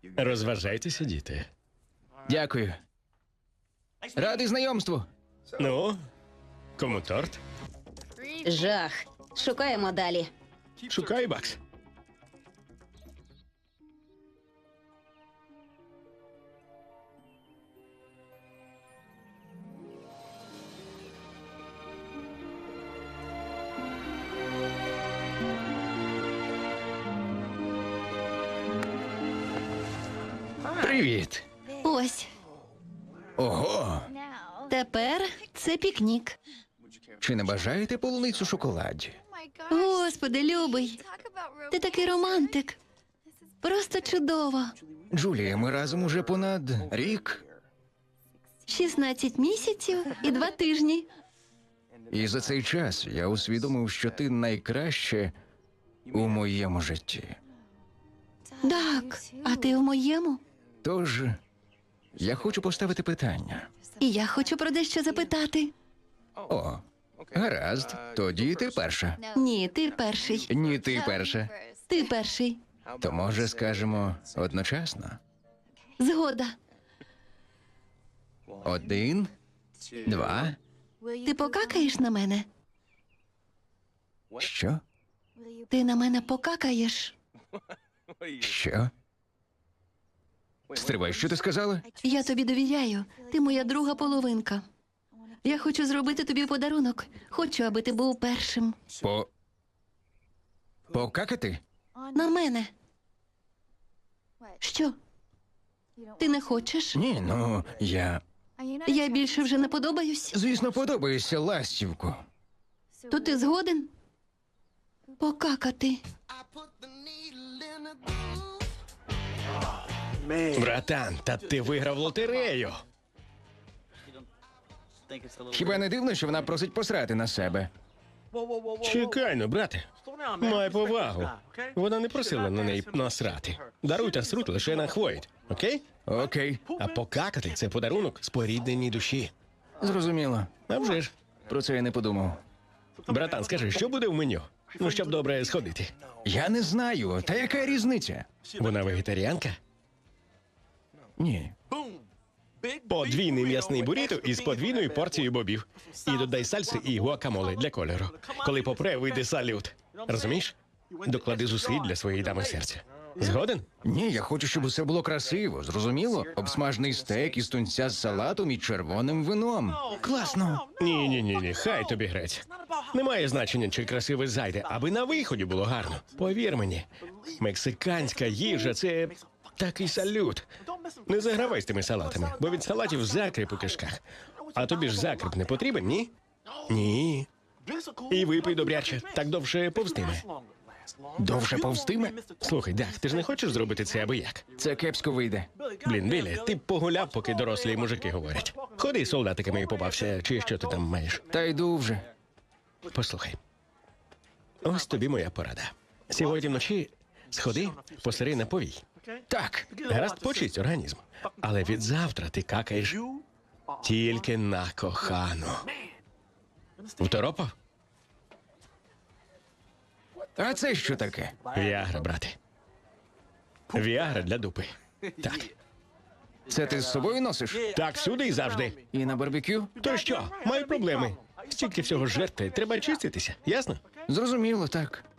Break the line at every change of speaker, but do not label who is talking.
Розважайтеся, діти.
Дякую. Радий знайомству.
Ну, кому торт?
Жах. Шукаємо далі.
Шукай, Бакс.
Привіт.
Ось.
Ого.
Тепер це пікнік.
Чи не бажаєте полуницю в шоколаді?
Господи, любий. Ти такий романтик. Просто чудово.
Джулія, ми разом уже понад рік.
16 місяців і 2 тижні.
І за цей час я усвідомив, що ти найкраще у моєму житті.
Так, а ти в моєму?
Тож, я хочу поставити питання.
І я хочу про дещо запитати.
О, гаразд. Тоді ти перша.
Ні, ти перший.
Ні, ти перша.
Ти перший.
То може скажемо одночасно?
Згода.
1, 2.
Ти покакаєш на мене?
Що?
Ти на мене покакаєш?
Що? Стривай, що ти сказала?
Я тобі довіряю. Ти моя друга половинка. Я хочу зробити тобі подарунок. Хочу, аби ти був першим.
Покакати?
На мене. Що? Ти не хочеш?
Ні, ну,
Я більше вже не подобаюсь?
Звісно, подобаєшся, ластівку.
То ти згоден? Покакати.
Братан, та ти виграв лотерею.
Хіба не дивно, що вона просить посрати на себе?
Чекай, ну, брате. Май повагу. Вона не просила на неї насрати. Даруй та срут лише на хвоїть, окей?
Окей,
А покакати – це подарунок спорідненій душі.
зрозуміло.
А вже ж.
Про це я не подумав.
Братан, скажи, що буде в меню? Ну, щоб добре сходити.
Я не знаю, та яка різниця?
Вона вегетаріанка?
Ні.
Подвійний м'ясний буріто із подвійною порцією бобів. І додай сальси і гуакамоле для кольору. Коли попре, вийде салют. Розумієш? Доклади зусиль для своєї дами серця. Згоден?
Ні, я хочу, щоб усе було красиво, зрозуміло? Обсмажений стейк із тунця з салатом і червоним вином. Класно.
Ні, хай тобі грець. Немає значення, чи красиво зайде, аби на виході було гарно. Повір мені, мексиканська їжа – це такий салют. Не загравай з тими салатами, бо від салатів закріп у кишках. А тобі ж закріп не потрібен, ні? Ні. І випий добряче, так довше повстиме.
Довше повстиме?
Слухай, Даг, ти ж не хочеш зробити це аби як?
Це кепсько вийде.
Блін, Білі, ти б погуляв, поки дорослі мужики говорять. Ходи, солдатиками і попався, чи що ти там маєш.
Та йду вже.
Послухай. Ось тобі моя порада. Сьогодні вночі сходи, посери на повій.
Так.
Гаразд, почисть організм. Але від завтра ти какаєш тільки на кохану. Второпав?
А це що таке?
Віагра, брате. Віагра для дупи. Так.
Це ти з собою носиш?
Так, всюди і завжди.
І на барбекю?
То що? Маю проблеми. Стільки всього жертви. Треба чиститися, ясно?
Зрозуміло, так.